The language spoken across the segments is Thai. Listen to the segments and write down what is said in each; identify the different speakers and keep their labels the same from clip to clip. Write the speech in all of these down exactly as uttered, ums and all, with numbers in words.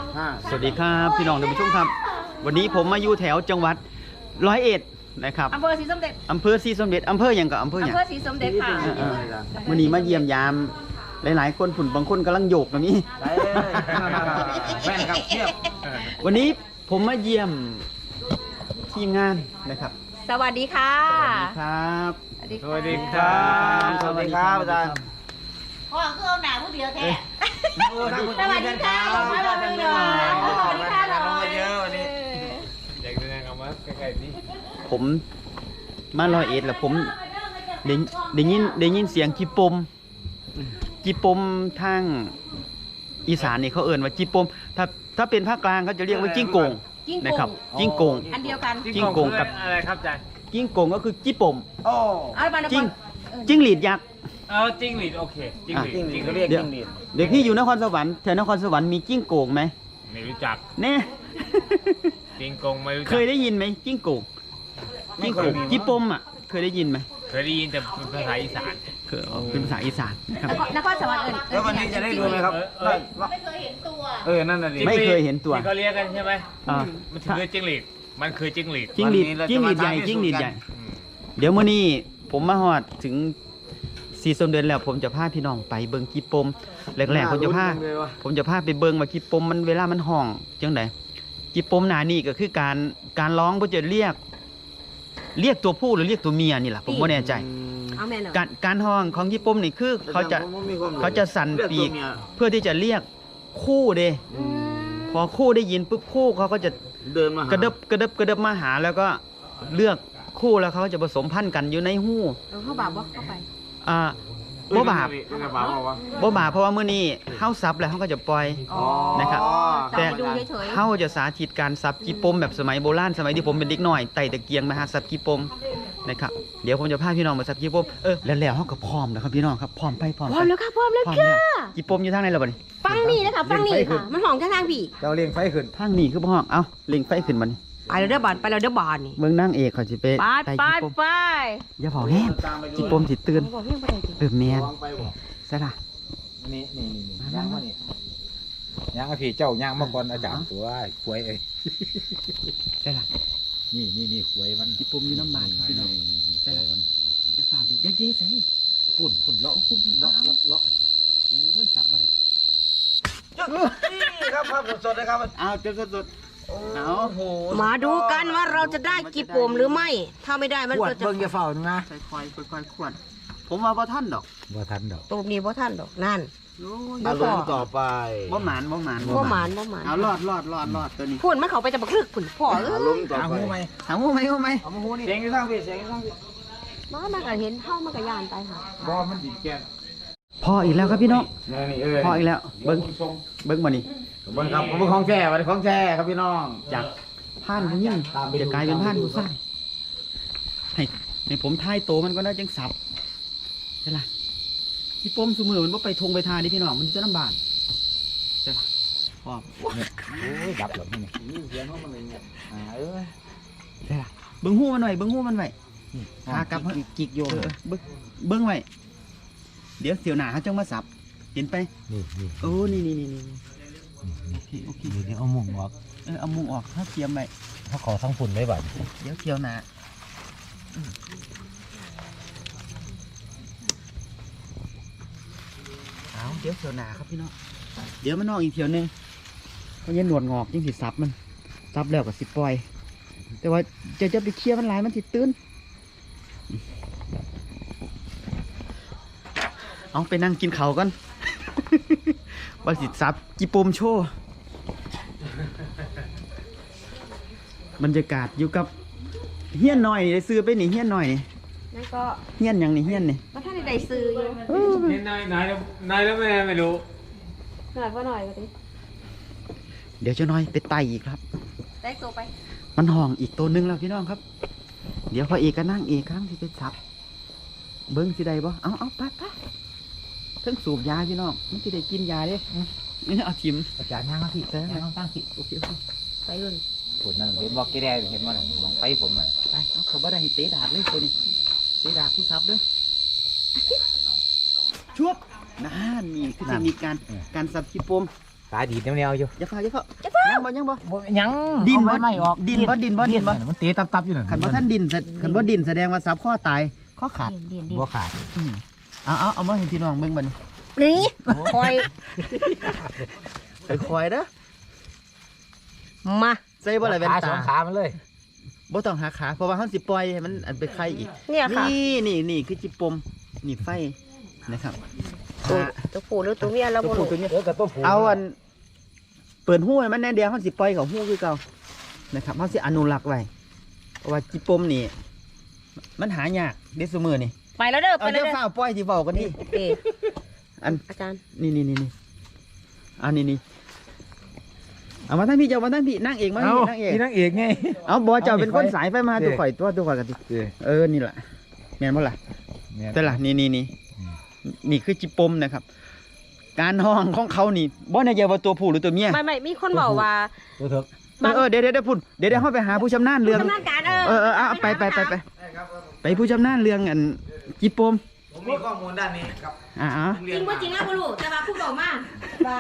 Speaker 1: สวัสดีครับพี่น้องท่านผู้ชมครับวันนี้ผมมาอยู่แถวจังหวัดร้อยเอ็ดนะครับ
Speaker 2: อำเภอศรีสมเด็จ
Speaker 1: อำเภอศรีสมเด็จอำเภออย่างกับอำเภออย่าง
Speaker 2: อำเภอศรีสมเด็จค่ะ
Speaker 1: วันนี้มาเยี่ยมยามหลายๆคนผุ่นบางคนกำลังโยกนะนี่
Speaker 3: แม่นครับเทียบ
Speaker 1: วันนี้ผมมาเยี่ยมทีมงานนะครับ
Speaker 2: สวัสดีค่ะ
Speaker 1: สวัสดีครับ
Speaker 3: สวัสดีครับสวัสดีครับอาจารย์
Speaker 4: พ่อคือเอาหนาผู้เดียวแท้
Speaker 2: สวัสดีค่ะผมมาลงมือหน่อยสวัสดีค่ะเรามาเยอะวันนี้
Speaker 3: อยากแสดงเอามาใกล้ๆนี่
Speaker 1: ผมมาร้อยเอ็ดแล้วผมได้ได้ยินได้ยินเสียงจีปมจีปมทางอีสานนี่เขาเอ่นว่าจีปมถ้าถ้าเป็นภาคกลางเขาจะเรียกว่าจิ้งโกงนะครับจิ้งโกง
Speaker 2: อันเดียวกัน
Speaker 1: จิ้งโกงกับ
Speaker 3: อะไรครับอาจารย์
Speaker 1: จิ้งโกงก็คือจีปมจิ้งจิ้งหรีดยักษ์
Speaker 3: เออจิ้งหรีดโอเคจิ้งหรีดจิ้งเขาเรียกจิ้งหรีด
Speaker 1: เด็กพี่อยู่นครสวรรค์แถวนครสวรรค์มีจิ้งโกงไหม
Speaker 3: ไม่รู้จัก
Speaker 1: แน่
Speaker 3: จิ้งโกงไม่รู้จัก
Speaker 1: เคยได้ยินไหมจิ้งโกงจิ้งโกงจีปมอ่ะเคยได้ยินไหม
Speaker 3: เคยได้ยินแต่ภาษาอีสาน
Speaker 1: เคยเป็นภาษาอีสานนะครับ
Speaker 2: นครสวรรค์เอิญ
Speaker 3: แล้ววันนี้จะได้ดูไหมครับ
Speaker 4: ไม่เคยเห็นตัว
Speaker 3: เออนั่นน่ะดิ
Speaker 1: ไม่เคยเห็นตัว
Speaker 3: ที่เขาเรียกกันใช่ไหมมันคือจิ้งหรีดมันคือจิ้งหรีด
Speaker 1: จิ้งหรีดจิ้งหรีดใหญ่จิ้งหรีดใหญ่เดี๋ยวมื้อนี้ผมมาฮอดถึงสี่สมเด็จแล้วผมจะพาพี่น้องไปเบิ่งกีปมแรกๆผมจะพาผมจะพาไปเบิ่งว่ากีปมมันเวลามันห้องจังไดกีปมหนานี่ก็คือการการร้องเพื่อจะเรียกเรียกตัวผู้หรือเรียกตัวเมียนี่แหละผมไม่แน่ใจการการห้องของกีปมนี่คือเขาจะเขาจะสั่นปีกเพื่อที่จะเรียกคู่เด้พอคู่ได้ยินปุ๊บคู่เขาก็จะ
Speaker 3: เดินมาก
Speaker 1: ระเดบกระเดบกระเดบมาหาแล้วก็เลือกคู่แล้วเขาจะผสมพันธุ์กันอยู่ในหู้
Speaker 2: เขาบาปว่าเข้าไป
Speaker 1: อ่าบ่บาปบ่บาปเพราะว่ามื้อนี้เฮาซับแล้วเฮาก็จะปล่อยนะครับแต่เฮาจะสาธิตการซับกีปมแบบสมัยโบราณสมัยที่ผมเป็นเด็กน้อยไต่ตะเกียงมาหาซับกีปมนะครับเดี๋ยวผมจะพาพี่น้องมาซับกีปมเออแล้วแล้วเฮาก็พร้อมแล้วครับพี่น้องครับพร้อมไปพร้อม
Speaker 2: พร้อมแล้วค่ะพร้อมแล้วค่ะ
Speaker 1: กีปมอยู่ทางไหนล่ะบัดนี้
Speaker 2: ฟังนี่นะคะฟังนี่ค่ะมันห้องทางพี่
Speaker 3: เจ้าเลี้ยงไฟขึ้น
Speaker 1: ทางนี้คือบ่ห้องเอ้าเล็งไฟขึ้นบัดนี้
Speaker 2: ไปแล้วเด้อบานไปแล้วเด้อบานนี่
Speaker 1: เมืองนางเอกเขาสิไป
Speaker 2: ไปไปไป
Speaker 1: อย่าเผาแห้งกีปมสิตื่นเออแม่นใช่ล่ะ
Speaker 3: นี่นี่นี่ย่างมานี่ย่างไอ้พี่เจ้าย่างมาก่อนอาจารย์ตัวขวยเอ้ย
Speaker 1: ใช่ล่ะ
Speaker 3: นี่นี่นี่ขวยมัน
Speaker 1: กีปมอยู่น้ำมันพี่น้องใช่มันจะฝ่าดิยักษ์เด้ใส่ฝุ่นฝุ่นเลาะฝุ่นฝุ่นเลาะเลาะเลาะโอ้ยจับบ่ได้ครับ
Speaker 3: นี่ครับภาพสดๆนะครับ
Speaker 1: อ้าวเต็มสด
Speaker 2: มาดูกันว่าเราจะได้กีปมหรือไม่ถ้าไม่ได้มันก็จะ
Speaker 3: เบิ่งอย่าเฝ้านะ
Speaker 1: ค่อยๆค่อยๆขวดผมว่าบ่ทันดอก
Speaker 3: บ่ทันดอก
Speaker 2: ตัวนี้บ่ทันดอกนั่น
Speaker 3: อารมณ์ต่อไป
Speaker 1: บ่หมานบ่หมาน
Speaker 2: บ่หมานบ่หมาน
Speaker 1: เอารอดรอดรอดรอดตัวนี้
Speaker 2: พุ่นมันเขาไปจะบักลึกพุ่นพ่อเออ
Speaker 3: อารมณ์ต่อไป
Speaker 1: หาหูไหมหาหูไหมหูไหม
Speaker 3: เอาหูนี่เสียงอยู่ทางพี่เสียงอยู่ทางพี่
Speaker 2: บ้ามันก็เห็นเท่ามันก็ย่านไปค่ะ
Speaker 3: บ่มันดิแก่
Speaker 1: พออีกแล้วครับพี่น้องพออีกแล้วเบิ้งเบิ้งมานี่
Speaker 3: เบิ้งครับผมเป็นของแท้วันของแท้ครับพี่น้อง
Speaker 1: จากผ่านผู้หญิงจะกลายเป็นผ่านผู้ชายให้ในผมทายโตมันก็น่าจังสับใช่ล่ะที่ปมสมือมันว่าไปทงไปทาดิพี่น้องมันจะลำบากใช่ล่ะพอ
Speaker 3: โอ้ยดับหรอนี่เสียงมันเลยเนี่ยอ่าเออ
Speaker 1: ใช่ล่ะเบิ้งหูมันไว้เบิ้งหูมันไว้ขากลับ
Speaker 3: จิกโยน
Speaker 1: เบิ้งเบิ้งไว้เดี๋ยวเสียวหนาเขาจังมาสับเห็นไป
Speaker 3: นี่นี่
Speaker 1: โอ้นี่นี่นี่นี่โอเคโอเค
Speaker 3: เดี๋ยวเอามุงออก
Speaker 1: เออเอามุงออกถ้าเทียมไป
Speaker 3: ถ้าขอทั้งฝุ่นได้บ่
Speaker 1: เดี๋ยวเกี่ยวหนาเอาเดี๋ยวเกี่ยวหนาครับพี่น้องเดี๋ยวมันนอกอีกเที่ยวนึงเพราะยันหนวดงอกยังสิซับมันซับแล้วกับสิปล่อยแต่ว่าจะจะไปเคลียร์มันหลายมันสิตื้นเอาไปนั่งกินเขาก่อนว่าสิซับกีปมโชว์บรรยากาศอยู่กับเฮี้ยนหน่อยได้ซื้อไปนี่เฮี้ยนหน่อยนี่
Speaker 2: นั่นก็
Speaker 1: เฮี้ยนยังนี่เฮี้ยนนี่
Speaker 2: ก็ท่านได้ซื้ออยู่
Speaker 3: เฮี้ยนนายนายแล้วนายแล้วแม่ไม่รู้
Speaker 2: หน่อยก็หน่อยก็ดิ
Speaker 1: เดี๋ยวจะน้อยไปไต่อีกครับ
Speaker 2: ไต่ตัวไป
Speaker 1: มันห่องอีกตัวนึงแล้วพี่น้องครับเดี๋ยวพอเอกก็นั่งเอกครั้งที่ไปซับเบิ้งสิได้บ่เอาเอาไปไปเพิ่งสูบยาพี่น้องมันสิได้กินยาเด้นี่เอาทิม
Speaker 3: อาจารย์นั่งมาผิดเต้นั่งตั้งผิด
Speaker 1: โอเคโอเค
Speaker 2: ไปเลย
Speaker 3: ผลนั่นเห็นบอกกี่ได้เห็นมันมองไปผมอ่ะ
Speaker 1: ไปเอาเขาบ่ได้เตะดาดเลยตัวนี้เตะดาดผู้ซับด้วยชุบนั่นนี่คือเทคนิคการการซับกีปม
Speaker 3: ตาดีดแนวๆอยู่
Speaker 1: อย่าฟ้าอย่าฟ้ายังบ่ยังบ่
Speaker 3: บ่ยัง
Speaker 1: ดินบ่
Speaker 3: ไม่ออก
Speaker 1: ดินบ่ดินบ่ดินบ่
Speaker 3: มันเตะตับๆอยู่นั่น
Speaker 1: คันบ่ท่านดินแสคันบ่ดินแสดงว่าซับข้อตายข้อขาด
Speaker 2: เดียนเดียน
Speaker 3: บ่ขาด
Speaker 1: อืมเอาเอาเอามาให้พี่น้องเบิ่งบัดนี้
Speaker 2: นี่คอย
Speaker 1: ค่อยๆเด้อ
Speaker 2: มา
Speaker 1: ใส่บ่ล่ะแว่น
Speaker 3: ขาส
Speaker 1: ตา
Speaker 3: องขามันเลย
Speaker 1: บ่ต้องหาขาเพราะว่าเฮาสิปล่อยให้มันอันไปไข่อีก
Speaker 2: เนี่ยค่ะ
Speaker 1: นี่นี่นี่คือจิปมนี่ไฟนะครับ
Speaker 2: ตัวตัวผู้หรือตัวเมียเรา
Speaker 1: ตัว
Speaker 2: บ่
Speaker 1: ผู้
Speaker 2: รู้
Speaker 1: ตัวเนี้ย
Speaker 3: เออกับตัวผู้
Speaker 1: เอาอันเปิดหู้ให้มันแน่เดียวเขาสิปล่อยเขาหู้คือเก่านะครับเขาสิอนุรักษ์ไว้เพราะว่าจิปมนี่มันหายากเด็ดสมือนี่
Speaker 2: ไปแล้วเด้อไป
Speaker 1: เอา
Speaker 2: แล้
Speaker 1: เดี๋
Speaker 2: ว
Speaker 1: ยว
Speaker 2: เด้อ
Speaker 1: ฝ้าวปล่อยที่เบากันนี่
Speaker 2: โอเค
Speaker 1: อัน
Speaker 2: อาจารย์
Speaker 1: นี่นี่นี่นี่อันนี้นี่เอามาทั้งพี่เจ้ามาทั้งพี่นั่งเองมา
Speaker 3: เอา
Speaker 1: นั่งเอง
Speaker 3: พี่นางเอกไง
Speaker 1: เอาบอเจ้าเป็นคน
Speaker 3: เอาไฟ
Speaker 1: สายไฟมา
Speaker 3: เด้
Speaker 1: ตัวข่อยตัวตัวข่อยกันดิเออนี่แหละแม่นบ่ล่ะ แต่ละนี่นี่นี่นี่คือจิปมนะครับ การห้องของเขานี่บ่ในใจว่าตัวผู้หรือตัวเมีย
Speaker 2: ไม่ไม่มีคนบอกว่า
Speaker 3: ตัวเถอะ
Speaker 1: เออเออเดี๋ยวเดี๋ยวเดี๋ยวพูดเดี๋ยวเดี๋ยวเขาไปหาผู้ชำนาญเรื่อง
Speaker 2: ทำงานการเออ
Speaker 1: เออเออเอาไปไปไปไปไปผู้ชำนาญเรื่องอันจิปม
Speaker 3: ผมมีข้อมูลด้านนี้ครับ
Speaker 1: อ่าอ่า
Speaker 2: จริงว่าจริงแล้วบ่รู้แต่ว่าผู้บอกมาว่า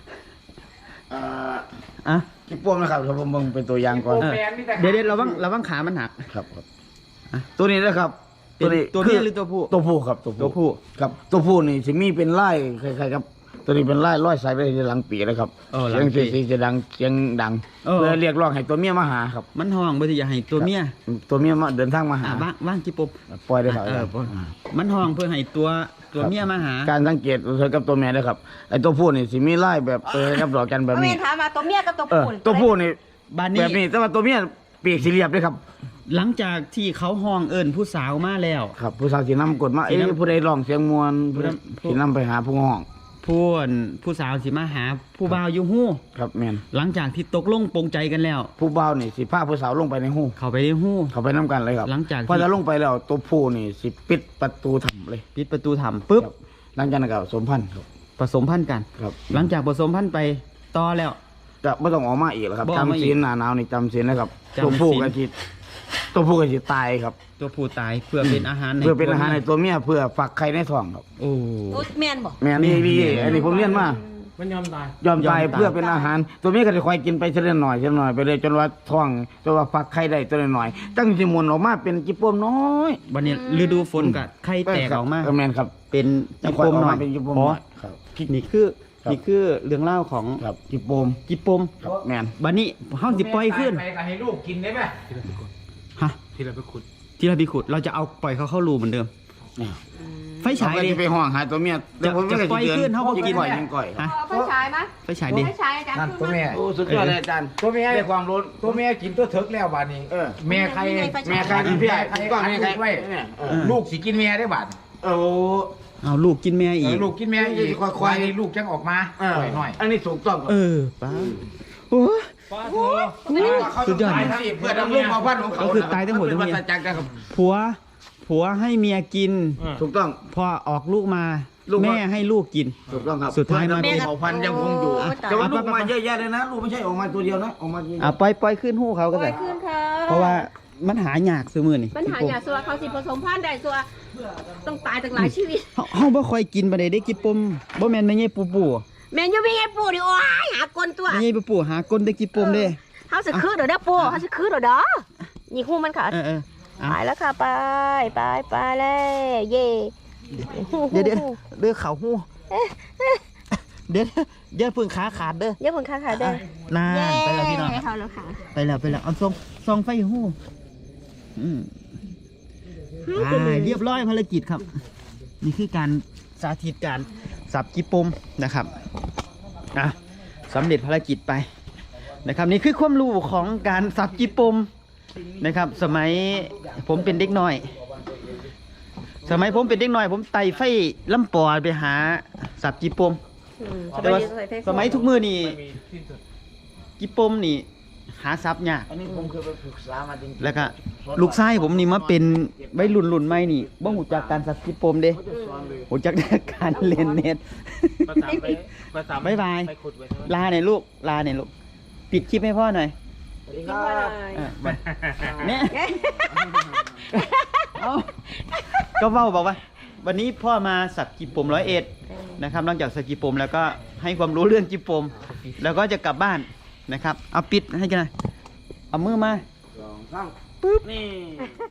Speaker 1: อ่ะ
Speaker 5: กิ๊บป้วมนะครับเดี๋ยวผมเบิ่งเป็นตัวอย่างก่อน
Speaker 1: เออเดี๋ยวเดี๋ยวระวังระวังขามันหัก
Speaker 5: ครับครับ
Speaker 1: อ่ะ
Speaker 5: ตัวนี้นะครับ
Speaker 1: เป็นตัวเมียหรือ
Speaker 5: คื
Speaker 1: ตัวผู้
Speaker 5: ตัวผู้ครับตัว
Speaker 1: ตัวผู้
Speaker 5: ครับตัวผู้นี่สิมีเป็นไล่คล้ายๆครับ ตัวนี้เป็นไล่ร้อยสายไปในหลังปีนะครับ
Speaker 1: เออหลั
Speaker 5: เสีย
Speaker 1: ง
Speaker 5: ง
Speaker 1: ปี
Speaker 5: เสียงจะดังเสียงดัง
Speaker 1: เออ
Speaker 5: เพื่อเรียกร้องให้ตัวเมียมาหาครับ
Speaker 1: มันห้องบ่ที่จะให้ตัวเมีย
Speaker 5: ตัวเมียมาเดินทางมาหา
Speaker 1: อ่ะว่างว่างจิปม
Speaker 5: ปล่อยได้ครับ
Speaker 1: เออบ่มันห้องเพื่อให้ตัวตัวเมียมาหา
Speaker 5: การสังเกตเธอกับตัวเมียนะครับไอ้ตัวผู้นี่สิมีไล่แบบเออครับดอกจันแบบ
Speaker 2: เอาเม
Speaker 5: นี้
Speaker 2: นถามมาตัวเมียกับตัว
Speaker 5: เออ
Speaker 2: ผู้
Speaker 5: ตัวผู้นี่
Speaker 1: บ้าน
Speaker 5: แบ
Speaker 1: นี้
Speaker 5: บนี้แต่ว่าตัวเมียปีกสี่เหลี่ยมด้วยครับ
Speaker 1: หลังจากที่เขาห้องเอิญผู้สาวมาแล้ว
Speaker 5: ครับผู้สาวสีน้ำกดมา
Speaker 1: สิ
Speaker 5: เอ้ย
Speaker 1: นำ
Speaker 5: ผู้ใดร้องเสียงมวล
Speaker 1: ผู้นำ
Speaker 5: สีน้ำไปหาผู้ห้อง
Speaker 1: ผู้อั่นผู้สาวสิมาหาผู้บ่าวอยู่หู้
Speaker 5: ครับแมน
Speaker 1: หลังจากที่ตกลงปรงใจกันแล้ว
Speaker 5: ผู้บ่าวนี่สิพาผู้สาวลงไปในหู
Speaker 1: เขาไปในหู้
Speaker 5: เขาไปน้ำกันเลยครับ
Speaker 1: หลังจากที่
Speaker 5: พอจะลงไปแล้วตัวผู้นี่สิปิดประตูถ้ำเลย
Speaker 1: ปิดประตูถ้ำปุ๊บ
Speaker 5: ครับหลังจากนั้นก็สมพันธ์ครับ
Speaker 1: ผสมพันธุ์กัน
Speaker 5: ครับ
Speaker 1: หลังจากผสมพันธุ์ไปต่อแล้ว
Speaker 5: จะไม่ต้องออกมาอีกแล้วครับ
Speaker 1: บ่ออกมาอีก
Speaker 5: จำศีลหนาหนาวนี่จำศีลนะครับ
Speaker 1: จำศีล
Speaker 5: ตัวผู้ก็สิตัวผู้ก็สิตายครับ
Speaker 1: ตัวผู้ตายเพื่อเป็นอาหาร
Speaker 5: เพื่อเป็นอาหารใน
Speaker 1: ตัว
Speaker 5: ตัวเมียเพื่อฝักไข่ในท้องครับ
Speaker 1: โอ้
Speaker 2: โอ้แมนบอก
Speaker 5: แม่นี่พี่อันนี้ผมเรียนมา
Speaker 3: มันยอมตาย
Speaker 5: ยอมตาย
Speaker 1: ยอมตาย
Speaker 5: เพื่อเป็นอาหาร ตัวเมียก็จะคอยกินไปเช่นหน่อยเช่นหน่อยไปเลยจนว่าท้องจนว่าฝักไข่ได้ตัวน้อยๆตั้งสิมุนออกมาเป็นจิปโปมน้อย
Speaker 1: วันนี้ฤดูฝนกับไข่แตกออกมา
Speaker 5: เแมนครับ
Speaker 1: เป็น
Speaker 5: จะ
Speaker 1: จิ
Speaker 5: คอย
Speaker 1: ป
Speaker 5: อ
Speaker 1: ม
Speaker 5: อก
Speaker 1: หน่อ
Speaker 5: มาย เป็นจิปโปม
Speaker 1: อ๋อ
Speaker 5: น้อยครับ
Speaker 1: นี่คือ
Speaker 5: ครับ
Speaker 1: นี่คือเรื่องเล่าวของ
Speaker 5: ครับจิปโปม
Speaker 1: จิปม
Speaker 5: ครับแมน
Speaker 1: บัดนี้เฮาสิปล่อยขึ้น
Speaker 3: ไปก็ให้ลูกกินได้ไหม
Speaker 1: ฮะ
Speaker 3: ที่เราไปขุด
Speaker 1: ที่เราพิขุดเราจะเอาปล่อยเขาเข้ารูเหมือนเดิม ไฟฉาย
Speaker 5: เอ
Speaker 1: ดิ
Speaker 5: ไปห้องหาตัวเมียเดี๋ยวผมไม่
Speaker 1: จะ
Speaker 5: เคย
Speaker 1: ปล่อย
Speaker 5: สิ
Speaker 1: ขึ้นเขาก็
Speaker 5: ยิง
Speaker 1: กิน
Speaker 5: ก่อยยิงก่อย
Speaker 1: ฮะ
Speaker 2: เอาไฟฉายไหม
Speaker 1: ไฟฉายดิ
Speaker 2: ไฟฉายอาจารย์
Speaker 3: นั่นตัวเมีย
Speaker 5: โอ้สุดยอดเลยอาจารย์
Speaker 3: ตัวเมีย
Speaker 5: ได้ความรู้
Speaker 3: ตัวเมียกินตัวเถิกแล้วบาดนี้
Speaker 5: เออ
Speaker 3: แม่ใคร
Speaker 5: แม่ใครกินพี่ใหญ่กินก่อน
Speaker 3: แม่
Speaker 5: แม่
Speaker 3: ใค
Speaker 5: ใค
Speaker 3: ร
Speaker 5: ร
Speaker 3: ไว้
Speaker 5: เนี่ยเออ
Speaker 3: ลูกสิกินแม่ได้บาด
Speaker 5: โอ้
Speaker 1: เอาลูกกินแม่
Speaker 3: เอ
Speaker 1: อี
Speaker 3: อก ลูกกินแม่อีก
Speaker 5: ค่อยๆ
Speaker 3: ควายลูกจังออกมา
Speaker 5: เออ
Speaker 3: หน่อยหน่อย
Speaker 5: อันนี้ถูกต้อง
Speaker 1: เออป้าโอ้ย สุดยอด
Speaker 5: นะเพื่อดำรงเผ่าพันธุ์ของเขา
Speaker 1: ก็คือตายทั้งหมดทั้ง
Speaker 5: เป็
Speaker 1: เมี
Speaker 5: น
Speaker 1: ย
Speaker 5: วัฏจักรนะครับ
Speaker 1: ผัว ผัวให้เมียกิน
Speaker 5: ถูกต้อง
Speaker 1: พอออกลูกมา
Speaker 5: ลูกว่า
Speaker 1: แม่ให้ลูกกิน
Speaker 5: ถูกต้องครับ
Speaker 1: สุดท้ายมา
Speaker 5: เพื่อดำรงเผ่าพันธุ์ยังคงอยู่
Speaker 2: โอ้ยตาย
Speaker 5: แต่ว่าลูกมาเยอะแยะเลยนะ ลูกไม่ใช่ออกมาตัวเดียวนะ ออกมาที
Speaker 1: อ่ะปล่อยปล่อยขึ้นหู้เขาก็
Speaker 2: ปล่อ
Speaker 1: ได้
Speaker 2: ยขึ้นค่ะ
Speaker 1: เพราะว่ามันหายากซื้อมือนี่
Speaker 2: ปัญหาอย่างสัวเขาสิผสมพันธุ์ได้สัวต้องตายตั้งหลายชีวิต
Speaker 1: เฮาเฮาบ่ค่อยกินปานใดได้กินปมบ่แม่นแม่ใหญ่ปูปู
Speaker 2: แมนยูมีไงปู่ดิโอ้ยหากลตัว
Speaker 1: แม่ใหญ่ปูปูหากลได้กินปมเด้
Speaker 2: เขาจะคืนเดี๋ยวเด้อปู่เขาจะคืนเดี๋ยวเด้อนี่คู่มันค่ะ
Speaker 1: เออเออเอา
Speaker 2: ไปแล้วค่ะไปไปไปเลยเย่
Speaker 1: เดี๋ยวเดี๋ยวเด้อเขาหู้เดี๋ยวเดี๋ยวเพิ่งขาขาดเด้อ
Speaker 2: เย่าเพิ่งค่ะค่ะเด้อน
Speaker 1: าน
Speaker 2: เย่
Speaker 1: ไปแล้วพี่น้อง
Speaker 2: เขาแล้วค่ะ
Speaker 1: ไปแล้วไปแล้วเอาซองซองไฟหู้อืมอ่าเรียบร้อยภารกิจครับ นี่คือการสาธิตการสับกิปมนะครับอ่ะสำเร็จภารกิจไปนะครับ นี่คือความรู้ของการสับกิปมนะครับ สมัยผมเป็นเด็กน้อย สมัยผมเป็นเด็กน้อย ผมไต่ไฟลำปอไปหาสับกิปม
Speaker 2: อืม
Speaker 1: แต่ว่าสมัยทุกมือนี่กิปมนี่ หาซับยาก
Speaker 5: อันนี้ผมเคยไปศึกษามาจริงๆ
Speaker 1: แล้วก็ลูกชายผมนี่มาเป็นใบรุ่นรุ่นใหม่นี่บ่หูจักการสับกิปมเด้หูจักแต่การเล่นเน็ตบ๊ายบายลาหน่อยลูกลาหน่อยลูกปิดคลิปให้พ่อหน่อย
Speaker 5: สวัสดีครับ
Speaker 1: เออเนี่ยเอาก็เว้าบอกว่าวันนี้พ่อมาสักกีปมร้อยเอ็ดนะครับนอกจากสักกีปมแล้วก็ให้ความรู้เรื่องกีปม แล้วก็จะกลับบ้านนะครับ เอาปิดให้กันหน่อยเอามือมา
Speaker 5: สองสามปึ๊บนี่